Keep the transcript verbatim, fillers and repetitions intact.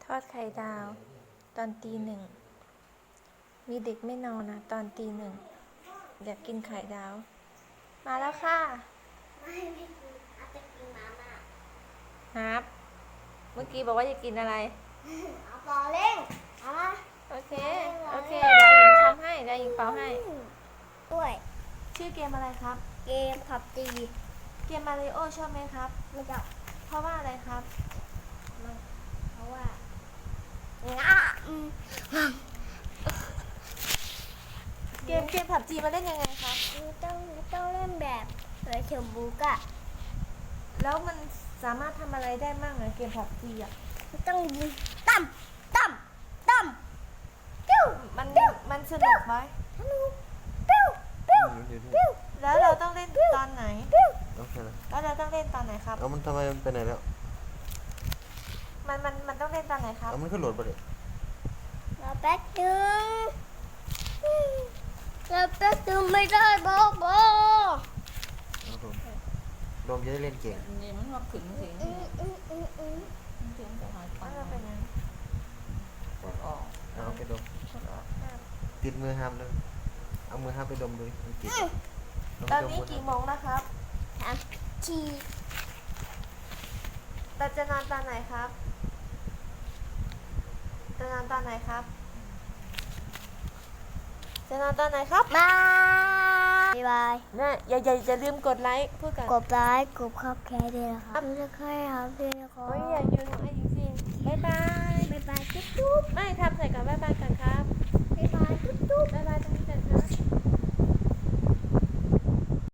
ทอดไข่ดาว ตอนตีหนึ่ง มีเด็กไม่นอนนะตอนตีหนึ่ง อยากกินไข่ดาว มาแล้วค่ะไม่ไม่กินอาจจะกินมาม่าครับเมื่อกี้บอกว่าจะกินอะไรเอาปอเล่งเอามาโอเค โอเคเดี๋ยวหญิงทำให้เดี๋ยวหญิงเป่าให้ด้วยชื่อเกมอะไรครับเกมผับจีเกมมาริโอชอบไหมครับไม่จับเพราะว่าอะไรครับไม่เพราะว่าง่าอืมเกมเกมผับจีมาเล่นยังไงครับไม่ต้องไม่ต้องเล่นแบบเลยเชมบุกอะแล้วมันสามารถทำอะไรได้บ้างอะเกมผับจีอะไม่ต้องยิงตั้มตั้มตั้มปิ้วมันมันสนุกไหมธนูปิ้วปิ้วอยู่ที่ปิ้วแล้วเราต้องเล่นตอนไหนปิ้วโอเคเลยแล้วเราต้องเล่นตอนไหนครับเอามันทำไมมันไปไหนแล้วมันมันมันต้องเล่นตอนไหนครับเอามันขึ้นโหลดไปเลยรอแป๊บนึงรอแป๊บนึงไม่ได้บอกบอกเอาโดมโดมจะได้เล่นเก่งนี่มันมาขึงเสียงอืมอืมอืมอืมเสียงจะหายไปว่าเราเป็นยังกดออกเอาโอเคโดมกดออกอ่ะติดมือห้ามเลยเอามือห้ามไปดมดูดิมันติดตอนนี้กี่โมงนะครับสามทีเราจะนอนตอนไหนครับจะนอนตอนไหนครับ จะนอนตอนไหนครับบายบายนะอย่าอย่าอย่าลืมกดไลค์พูดกันกดไลค์กดคับแคร์ด้วยนะครับดูจะใครครับพี่นะครัโอ้ยอย่าบลืมไอ้จริงๆบ๊ายบายบ๊ายบายจุ๊บจุ๊บไม่ทำใส่กันบ๊ายบายกันครับบ๊ายบายจุ๊บจุ๊บบ๊ายบาย